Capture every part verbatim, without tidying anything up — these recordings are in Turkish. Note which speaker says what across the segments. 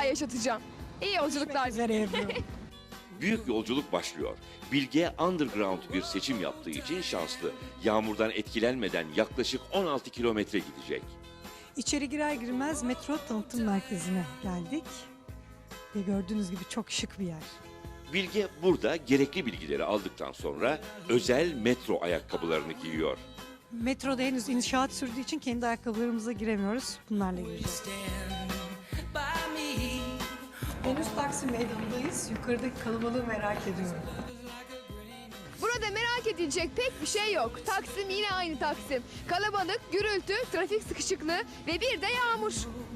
Speaker 1: yaşatacağım. İyi yolculuklar.
Speaker 2: Üzere Ebru.
Speaker 3: Büyük yolculuk başlıyor. Bilge underground bir seçim yaptığı için şanslı. Yağmurdan etkilenmeden yaklaşık on altı kilometre gidecek.
Speaker 2: İçeri girer girmez metro tanıtım merkezine geldik. Ve gördüğünüz gibi çok şık bir yer.
Speaker 3: Bilge burada gerekli bilgileri aldıktan sonra özel metro ayakkabılarını giyiyor.
Speaker 2: Metroda henüz inşaat sürdüğü için kendi ayakkabılarımıza giremiyoruz. Bunlarla gireceğiz. Henüz Taksim Meydanı'ndayız. Yukarıdaki kalabalığı merak ediyorum.
Speaker 1: Burada merak edilecek pek bir şey yok. Taksim yine aynı Taksim. Kalabalık, gürültü, trafik sıkışıklığı ve bir de yağmur.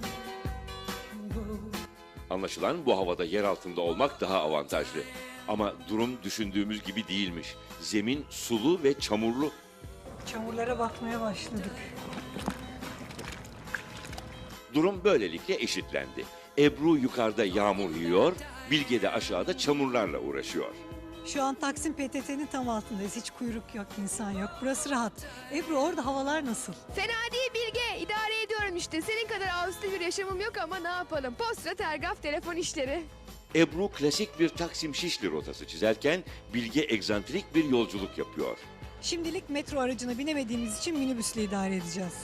Speaker 3: Anlaşılan bu havada yer altında olmak daha avantajlı. Ama durum düşündüğümüz gibi değilmiş. Zemin sulu ve çamurlu.
Speaker 2: Çamurlara batmaya başladık.
Speaker 3: Durum böylelikle eşitlendi. Ebru yukarıda yağmur yiyor, Bilge de aşağıda çamurlarla uğraşıyor.
Speaker 2: Şu an Taksim P T T'nin tam altındayız. Hiç kuyruk yok, insan yok. Burası rahat. Ebru, orada havalar nasıl?
Speaker 1: Fena değil Bilge, idare ediyorum işte. Senin kadar ağustos bir yaşamım yok ama ne yapalım. Posta, telgraf, telefon işleri.
Speaker 3: Ebru klasik bir Taksim Şişli rotası çizerken Bilge egzantrik bir yolculuk yapıyor.
Speaker 2: Şimdilik metro aracına binemediğimiz için minibüsle idare edeceğiz.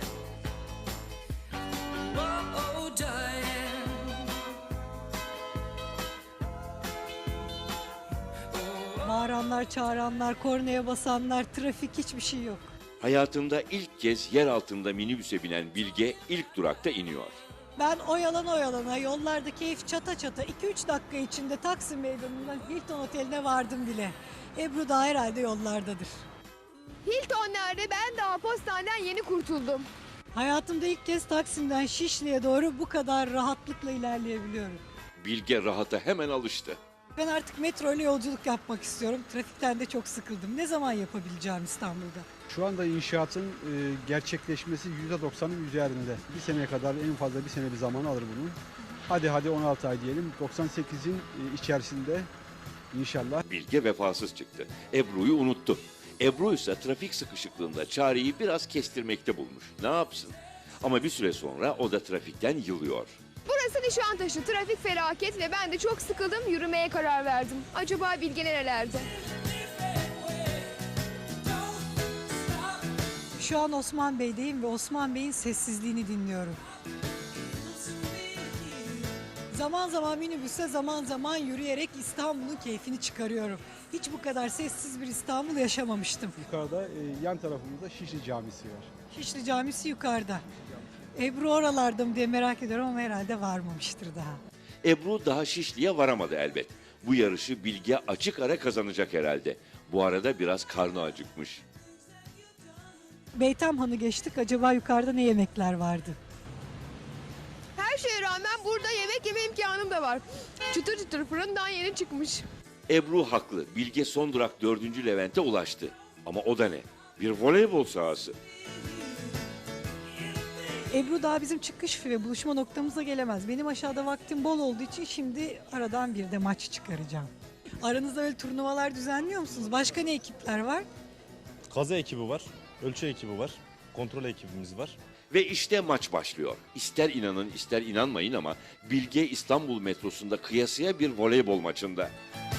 Speaker 2: Bağıranlar, çağıranlar, kornaya basanlar, trafik, hiçbir şey yok.
Speaker 3: Hayatında ilk kez yer altında minibüse binen Bilge ilk durakta iniyor.
Speaker 2: Ben oyalana oyalana yollarda keyif çata çata iki üç dakika içinde Taksim Meydanı'ndan Hilton Oteli'ne vardım bile. Ebru da herhalde yollardadır.
Speaker 1: Hilton nerede? Ben daha postaneden yeni kurtuldum.
Speaker 2: Hayatımda ilk kez Taksim'den Şişli'ye doğru bu kadar rahatlıkla ilerleyebiliyorum.
Speaker 3: Bilge rahata hemen alıştı.
Speaker 2: Ben artık metro ile yolculuk yapmak istiyorum. Trafikten de çok sıkıldım. Ne zaman yapabileceğim İstanbul'da?
Speaker 4: Şu anda inşaatın e, gerçekleşmesi yüzde doksanın üzerinde. Bir seneye kadar en fazla bir sene bir zaman alır bunun. Hadi hadi on altı ay diyelim. doksan sekizin e, içerisinde inşallah.
Speaker 3: Bilge vefasız çıktı. Ebru'yu unuttu. Ebru ise trafik sıkışıklığında çareyi biraz kestirmekte bulmuş. Ne yapsın? Ama bir süre sonra o da trafikten yılıyor.
Speaker 1: Burası Nişantaşı, trafik felaket ve ben de çok sıkıldım, yürümeye karar verdim. Acaba Bilge nerelerde?
Speaker 2: Şu an Osman Bey'deyim ve Osman Bey'in sessizliğini dinliyorum. Zaman zaman minibüse, zaman zaman yürüyerek İstanbul'un keyfini çıkarıyorum. Hiç bu kadar sessiz bir İstanbul yaşamamıştım.
Speaker 4: Yukarıda e, yan tarafımızda Şişli Camisi var.
Speaker 2: Şişli Camisi yukarıda. Ebru oralarda mı diye merak ediyorum ama herhalde varmamıştır daha.
Speaker 3: Ebru daha Şişli'ye varamadı elbet. Bu yarışı Bilge açık ara kazanacak herhalde. Bu arada biraz karnı acıkmış.
Speaker 2: Beytamhan'ı geçtik. Acaba yukarıda ne yemekler vardı?
Speaker 1: Her şeye rağmen burada yemek yeme imkanım da var. Çıtır çıtır fırından yeni çıkmış.
Speaker 3: Ebru haklı. Bilge son durak dördüncü Levent'e ulaştı. Ama o da ne? Bir voleybol sahası.
Speaker 2: Ebru daha bizim çıkış ve buluşma noktamıza gelemez. Benim aşağıda vaktim bol olduğu için şimdi aradan bir de maç çıkaracağım. Aranızda öyle turnuvalar düzenliyor musunuz? Başka ne ekipler var?
Speaker 5: Kaza ekibi var, ölçü ekibi var, kontrol ekibimiz var.
Speaker 3: Ve işte maç başlıyor. İster inanın ister inanmayın ama Bilge İstanbul metrosunda kıyasıya bir voleybol maçında.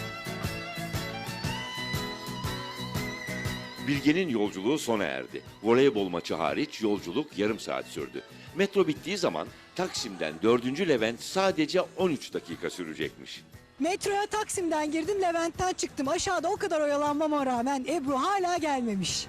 Speaker 3: Bilge'nin yolculuğu sona erdi. Voleybol maçı hariç yolculuk yarım saat sürdü. Metro bittiği zaman Taksim'den dördüncü Levent sadece on üç dakika sürecekmiş.
Speaker 2: Metroya Taksim'den girdim, Levent'ten çıktım. Aşağıda o kadar oyalanmama rağmen Ebru hala gelmemiş.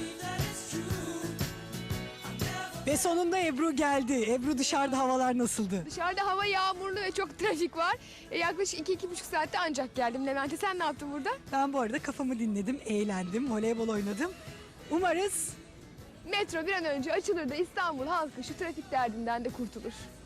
Speaker 2: Ve sonunda Ebru geldi. Ebru, dışarıda havalar nasıldı?
Speaker 1: Dışarıda hava yağmurlu ve çok trafik var. E, yaklaşık iki iki buçuk saatte ancak geldim Levent'e. Sen ne yaptın burada?
Speaker 2: Ben bu arada kafamı dinledim, eğlendim, voleybol oynadım. Umarız
Speaker 1: Metro bir an önce açılır da İstanbul halkı şu trafik derdinden de kurtulur.